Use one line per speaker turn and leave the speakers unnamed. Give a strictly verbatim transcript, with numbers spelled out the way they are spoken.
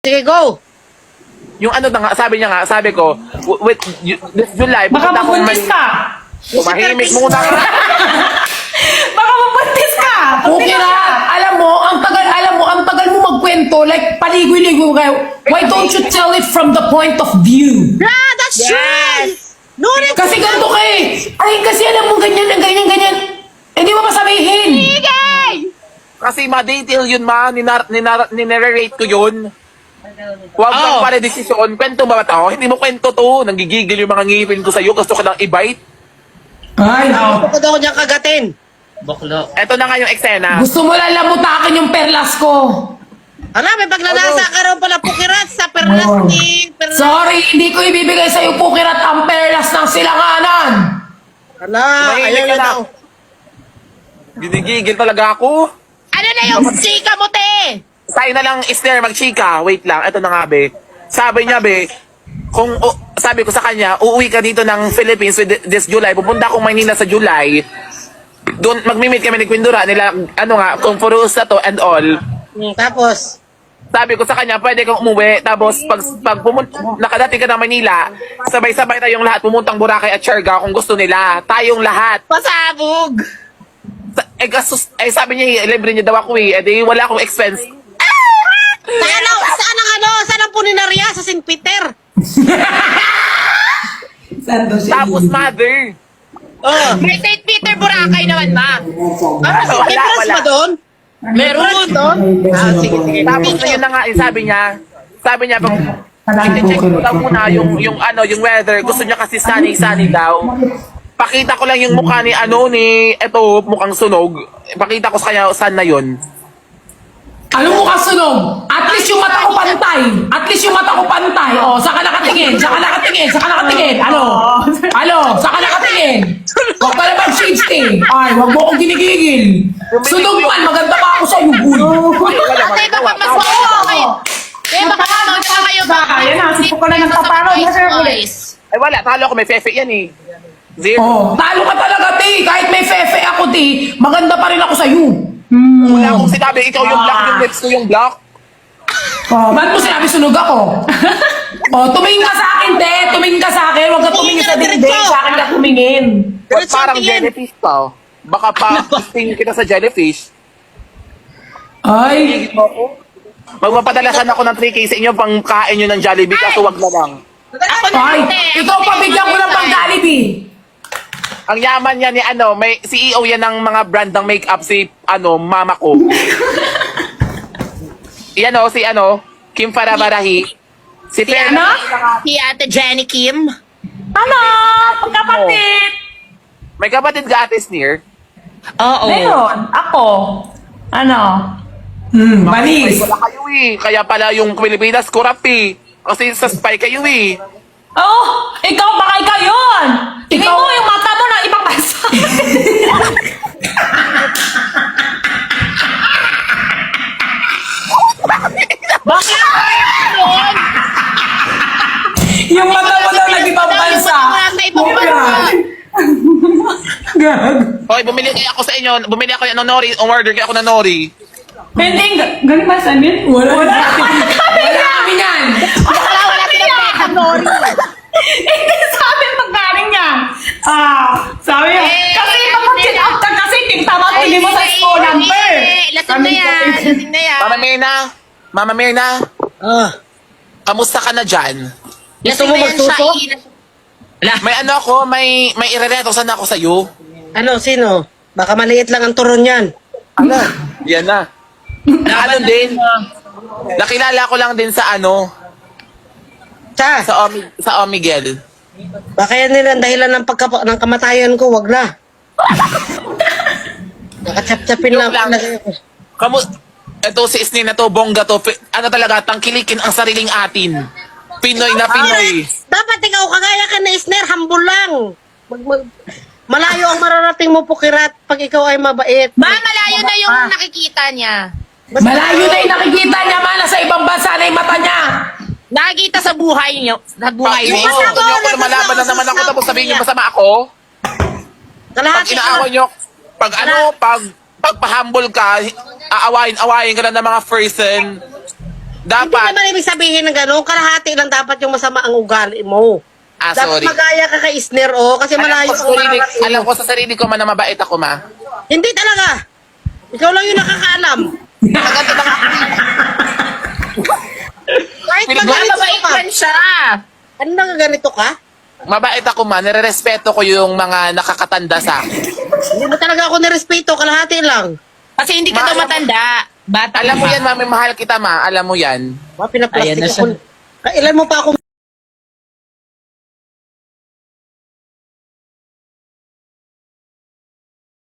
Sige, go!
Yung ano na nga, sabi niya nga, sabi ko, w- with y- this July,
Baka
pupunta akong
mabuntis
Manila.
ka.
Tumahimik muna ka.
Baka mabuntis ka.
Okay na, alam mo, ang tagal, alam mo, ang tagal mo magkwento, like paligoy-ligoy kayo. Why don't you tell it from the point of view?
Yeah, that's
Yes.
true! No, that's
Kasi ganito ka eh. Ay, kasi alam mo, ganyan, ganyan, ganyan. Hindi mo masabihin.
Kasi ma-detail yun ma, ninar- ninar- ninarrate ko yun. Huwag kang
Oh.
pala desisyon. Kwento ba ba to? Hindi mo kwento to. Nanggigigil yung mga ngipin ko sa'yo. Gusto ko lang i-bite.
Ay,
Gusto ko daw niyang kagatin. Bakla.
Eto na nga yung eksena.
gusto mo lang lamutakin yung perlas ko.
Ano, may pagnanasa ka raw pala pukirat sa perlas
Oh.
ni... Perlas.
Sorry, hindi ko ibibigay sa'yo pukirat ang perlas ng silanganan.
Ala,
Tumahimik
ayaw
ka
na
na.
daw.
Ginigigil talaga ako.
Ano na yung chika mo, te?
Tayo na lang, Esther, magchika. Wait lang, eto na nga, be. Sabi niya, be, kung, o- sabi ko sa kanya, uuwi ka dito ng Philippines with this July. Pupunta akong Maynila sa July. Doon, magmi-meet kami ni Quindura. Nila, ano nga, kung Furus na to and all.
Hmm, tapos,
Sabi ko sa kanya, pwede kang umuwi. Tapos, pag, pag pumunta, nakadating ka ng Manila, sabay-sabay tayong lahat pumuntang Boracay at Siargao kung gusto nila. Tayong lahat.
pasabog!
Sa- Eh, gastos, eh, sabi niya, libre niya daw ako eh. Eh, di, wala akong expense.
Saan ang, saan ang ano? Saan ang puninarya? Sa Saint Peter?
Saan daw siya?
Tapos, mother.
Oh.
May Saint Peter Boracay naman, ma.
Ah,
Wala,
may perlas
wala.
ba doon? Meron doon? Ah, sige, sige.
Tapos, ayun na nga, eh, sabi niya, sabi niya, pag, i-check ko daw muna yung, yung, ano, yung weather. Gusto niya kasi sunny-sunny daw. Pakita ko lang yung mukha ni, ano, ni, eto, mukhang sunog. Pakita ko sa kanya, saan na yun.
Ano mo kasunog? At least yung mata ko pantay. At least yung mata ko pantay. O, saka nakatingin, saka nakatingin, saka nakatingin. Ano? Ano? Saka nakatingin. Huwag ka na mag-shifting. Ay, huwag mo akong ginigigil. Sunog man, maganda pa ako sa iyo, boy.
Ate, baka mas mauwa kayo. Eh, baka mas mauwa kayo.
Baka, yan na, sipok ko na ng paparod na sir ulit.
Ay, wala, talo ako, may fefe yan eh. Zero.
Oh, talo ka talaga, ti. Kahit may fefe ako, ti, maganda pa rin ako sa iyo.
Wala akong sinabi, ikaw yung black, yung lips ko yung black.
Oh, ba't mo sinabi sunog ako? Oh, tumingin ka sa akin, te. Tumingin ka sa akin. Huwag ka tumingin sa
Tumingin ka,
dingding.
diretso.
Sa akin ka tumingin.
Ba't
Diretso
parang
ang tingin.
jellyfish pa? oh? Baka pa, tingin kita sa jellyfish.
Ay,
Magpapadalasan ako ng three K sa inyo pang kain nyo ng Jollibee, kaso wag na lang.
Ako na,
ay.
ate.
Ikaw pa bigyan ko ng pang-Jollibee.
Ang yaman niya ni ano, may C E O yan ng mga brand ng makeup si ano, mama ko. Yan o, si ano, Kim Farabarahi. Si
Si
Fer
ano? Si ate Jenny Kim.
Ano? Pagkapatid.
May kapatid ka ate Sneer.
Oo.
Meron. Ako. Ano?
Hmm, manis.
Wala kayo eh. Kaya pala yung Pilipinas corrupt eh. Kasi sa spy kayo eh.
Oh, ikaw baka ikaw yun. Tingin
Ikaw-
mo yung mata mo na ibang bansa.
Bakit? Yun?
Yung mata mo daw nag-ibang bansa.
Yung mata mo nasa ibang bansa.
Gag.
Hoy, bumili kayo ako sa inyo. Bumili ako ng nori. Umorder kayo ako ng nori.
Hindi, ganun ba sabihin?
Wala. Wala. Wala kami yan.
Wala, wala silang beta, Nori.
Hindi sabi magkaring yan. Ah, sabi niya.
Eh,
Kasi
eh,
kapag
hindi
chin
na.
out ka kasi, tingtama hindi mo sa school number.
Eh, lasing na yan. Lasing na yan.
Mama Mirna. Mama Mirna.
Ah.
Kamusta ka na dyan?
Gusto
Lasing
mo
na yan siya.
magsuso?
i-
May ano ako, may may irereto sana ako sa'yo.
Ano, sino? Baka maliit lang ang turon yan.
Ano? Yan na. Na ano din, nakilala ko lang din sa ano,
Sa,
sa Omi, sa Omigel.
baka yan nila ang dahilan ng, pagka, ng kamatayan ko, wag na. Nakachap-chapin lang.
Joke lang. Kamu, ito si Isnin na to, bongga to, pi- ano talaga, tangkilikin ang sariling atin. Pinoy na Pinoy.
Dapat ikaw kagaya ka na Isner, humble lang. Mag, mag- malayo ang mararating mo pukirat pag ikaw ay mabait.
Ma, malayo na yung nakikita niya.
Basta-
Malayo na yung nakikita niya, man. Nasa ibang bansa na yung mata niya.
Nakikita sa buhay niyo. Sa
Pag
buhay
ino,
mo.
Yung
gusto niyo ako na malaban na naman ako tapos sabihin niyo masama ako. Pag
Kalahati
inaaway niyo, pag ano, pag pagpa-humble ka, aawayin-awayin ka na ng mga person.
Hindi
Dapat,
naman ibig sabihin ng gano'n, kalahati lang dapat yung masama ang ugali mo.
ah,
Dapat
sorry.
magaya ka kay Isner, oh, kasi
Alam
malayo
ko, sa
ang
sarili,
mararating mo.
alam ko sa sarili ko man na mabait ako, ma.
Hindi talaga. Ikaw lang yung nakakaalam.
Maganda na nga.
Kahit
Pinag-
maganito
Mabait
ka.
man siya.
Ano na ganito ka?
Mabait ako, ma. Nire-respeto ko yung mga nakakatanda sa akin.
Hindi mo talaga ako nirespeto, kalahati lang.
Kasi hindi ka
Ma,
daw
alam mo-
matanda. Bata
Alam mo
ka.
yan, mami. Mahal kita, ma. Alam mo yan.
Ba, pinaplastic
Ayan na
ako. Kailan mo pa ako